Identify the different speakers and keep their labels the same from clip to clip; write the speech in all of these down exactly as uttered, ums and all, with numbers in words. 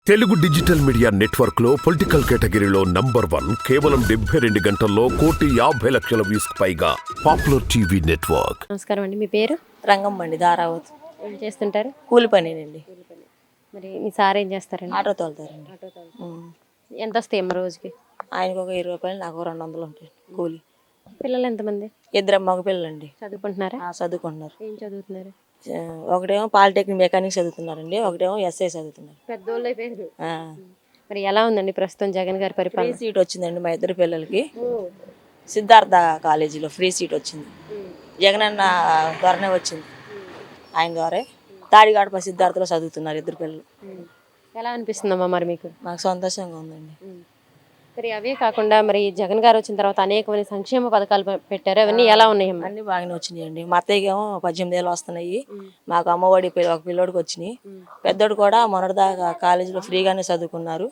Speaker 1: Telugu digital media network లో political కేటగిరీలో number one కేవలం డెబ్బై రెండు గంటల్లో కోటి యాభై లక్షల వ్యూస్ పైగా పాపులర్ టీవీ నెట్వర్క్.
Speaker 2: నమస్కారం అండి, మీ పేరు?
Speaker 3: రంగమ్మండి, ధారావతి.
Speaker 2: ఏం చేస్తుంటారు?
Speaker 3: కూలి పనేనండి.
Speaker 2: మరి మీ సార్ ఏం చేస్తారండి?
Speaker 3: ఆటో తోలుతారండి.
Speaker 2: ఆటో తోలుతారు. ఎంత వస్తాయి అమ్మ రోజుకి?
Speaker 3: ఆయనకు ఒక ఇరవై రూపాయలు, నాకు రెండు వందలు ఉంటాయి కూలి.
Speaker 2: పిల్లలు ఎంతమంది?
Speaker 3: ఇద్దరు మగ పిల్లలండి.
Speaker 2: చదువుకుంటున్నారా?
Speaker 3: చదువుకుంటున్నారు.
Speaker 2: ఏం చదువుతున్నారు?
Speaker 3: ఒకటేమో పాలిటెక్నిక్ మెకానిక్ చదువుతున్నారండి, ఒకటేమో ఎస్ఐ చదువుతున్నారు.
Speaker 2: పెద్దోళ్ళు అయిపోయారు. మరి ఎలా ఉందండి ప్రస్తుతం జగన్ గారి పరిపాలన?
Speaker 3: ఫ్రీ సీట్ వచ్చిందండి మా ఇద్దరు పిల్లలకి. సిద్ధార్థ కాలేజీలో ఫ్రీ సీట్ వచ్చింది. జగన్ అన్న ద్వారానే వచ్చింది, ఆయన ద్వారా. తాడిగాడప సిద్ధార్థలో చదువుతున్నారు ఇద్దరు పిల్లలు.
Speaker 2: ఎలా అనిపిస్తుందమ్మా మరి మీకు?
Speaker 3: మాకు సంతోషంగా ఉందండి.
Speaker 2: మరి అవే కాకుండా మరి జగన్ గారు వచ్చిన తర్వాత అనేకమైన సంక్షేమ పథకాలు పెట్టారు, అవన్నీ ఎలా ఉన్నాయమ్మా?
Speaker 3: అన్ని బాగానే వచ్చినాయండి. మా అత్తయ్యకి ఏమో పద్దెనిమిది ఏళ్ళు వస్తున్నాయి, మాకు అమ్మఒడి ఒక పిల్లోడికి వచ్చినాయి. పెద్దోడు కూడా మొన్నటిదాకా కాలేజీలో ఫ్రీగానే చదువుకున్నారు.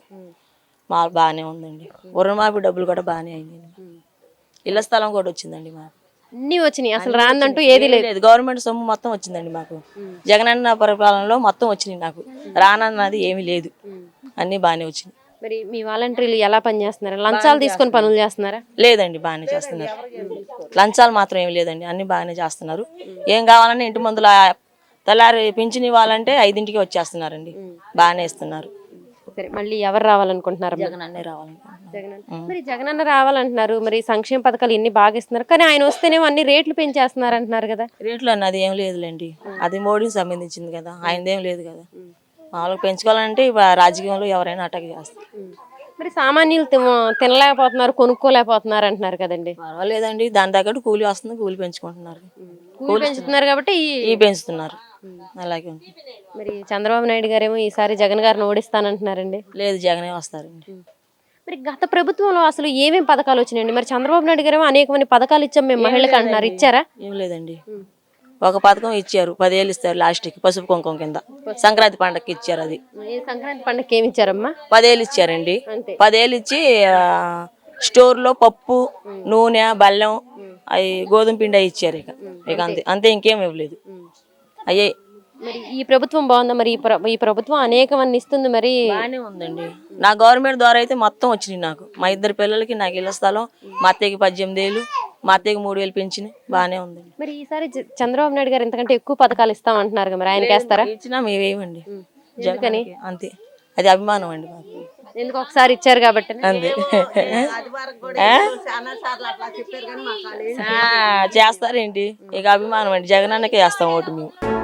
Speaker 3: మాకు బాగానే ఉందండి. రుణమాఫీ డబ్బులు కూడా బాగానే అయినాయి. ఇళ్ల స్థలం కూడా వచ్చిందండి మాకు.
Speaker 2: అన్ని వచ్చినాయి, అసలు రాందంటూ ఏది లేదు.
Speaker 3: గవర్నమెంట్ సొమ్ము మొత్తం వచ్చిందండి మాకు. జగనన్న పరిపాలనలో మొత్తం వచ్చినాయి, నాకు రానన్నది ఏమీ లేదు. అన్ని బాగానే వచ్చినాయి.
Speaker 2: మరి మీ వాలంటీర్లు ఎలా పనిచేస్తున్నారు? లంచాలు తీసుకొని పనులు చేస్తున్నారా?
Speaker 3: లేదండి, బాగానే చేస్తున్నారు. లంచాలు మాత్రం ఏమి లేదండి, అన్ని బాగానే చేస్తున్నారు. ఏం కావాలన్నా ఇంటి ముందుల తెల్లారి పింఛన్ ఇవ్వాలంటే ఐదింటికి వచ్చేస్తున్నారండి, బాగానే ఇస్తున్నారు.
Speaker 2: సరే, మళ్ళీ ఎవరు రావాలనుకుంటున్నారు?
Speaker 3: జగన్ అన్నే రావాలనుకుంటున్నారు.
Speaker 2: జగన్ మరి జగన్ అన్న రావాలంటున్నారు, మరి సంక్షేమ పథకాలు ఎన్ని బాగా ఇస్తున్నారు, కానీ ఆయన వస్తేనేమో అన్ని రేట్లు పెంచేస్తున్నారు అంటున్నారు కదా.
Speaker 3: రేట్లు అన్నది ఏం లేదులేండి, అది మోడీకి సంబంధించింది కదా, ఆయనదేం లేదు కదా. మామూలుగా పెంచుకోవాలంటే రాజకీయంలో ఎవరైనా అటాక్ చేస్తారు.
Speaker 2: మరి సామాన్యులు తినలేకపోతున్నారు, కొనుక్కోలేకపోతున్నారు అంటున్నారు కదండి.
Speaker 3: పర్వాలేదండి, దాని తగ్గట్టు కూలి వస్తుంది, కూలి పెంచుకుంటున్నారు.
Speaker 2: కూలి పెంచుతున్నారు కాబట్టి
Speaker 3: ఈ పెంచుతున్నారు, అలాగే ఉంటుంది.
Speaker 2: మరి చంద్రబాబు నాయుడు గారేమో ఈసారి జగన్ గారిని ఓడిస్తానంటున్నారండి.
Speaker 3: లేదు, జగనే వస్తారండి.
Speaker 2: మరి గత ప్రభుత్వంలో అసలు ఏమేమి పథకాలు వచ్చినాయండి? మరి చంద్రబాబు నాయుడు గారేమో అనేకమంది పథకాలు ఇచ్చాం మేము మహిళలకు అంటున్నారు, ఇచ్చారా?
Speaker 3: ఏం లేదండి, ఒక పథకం ఇచ్చారు, పదేళ్ళు ఇస్తారు లాస్ట్కి, పసుపు కుంకుమ కింద. సంక్రాంతి పండగకి ఇచ్చారు, అది
Speaker 2: సంక్రాంతి పండగకి ఏమి ఇచ్చారమ్మా?
Speaker 3: పదేళ్ళు ఇచ్చారండి. పదేళ్ళు ఇచ్చి స్టోర్లో పప్పు, నూనె, బెల్లం, అవి గోధుమ పిండి అవి ఇచ్చారు. ఇక ఇక అంతే అంతే ఇంకేం ఇవ్వలేదు. అయ్యే
Speaker 2: మరి ఈ ప్రభుత్వం బాగుందా? మరి ఈ ప్రభుత్వం అనేక మంది ఇస్తుంది, మరి
Speaker 3: బాగానే ఉందండి. నా గవర్నమెంట్ ద్వారా అయితే మొత్తం వచ్చినాయి నాకు. మా ఇద్దరు పిల్లలకి నాకు ఇళ్ల స్థలం, మా అత్తయ్యకి పద్దెనిమిది ఏళ్ళు, మా అత్తయ్యకి మూడు వేలు పెంచినాయి, బాగానే ఉందండి.
Speaker 2: మరి ఈసారి చంద్రబాబు నాయుడు గారు ఎంతకంటే ఎక్కువ పథకాలు ఇస్తాం అంటున్నారు, మరి ఆయనకి వేస్తారా?
Speaker 3: ఇచ్చినా మేమేమండి, జగన్ అంతే, అది అభిమానం అండి మాకు.
Speaker 2: ఎందుకు ఒకసారి ఇచ్చారు కాబట్టి
Speaker 3: అంతే. చేస్తారేంటి, ఇక అభిమానం అండి, జగన్ అన్నకే వేస్తాం ఓటు మేము.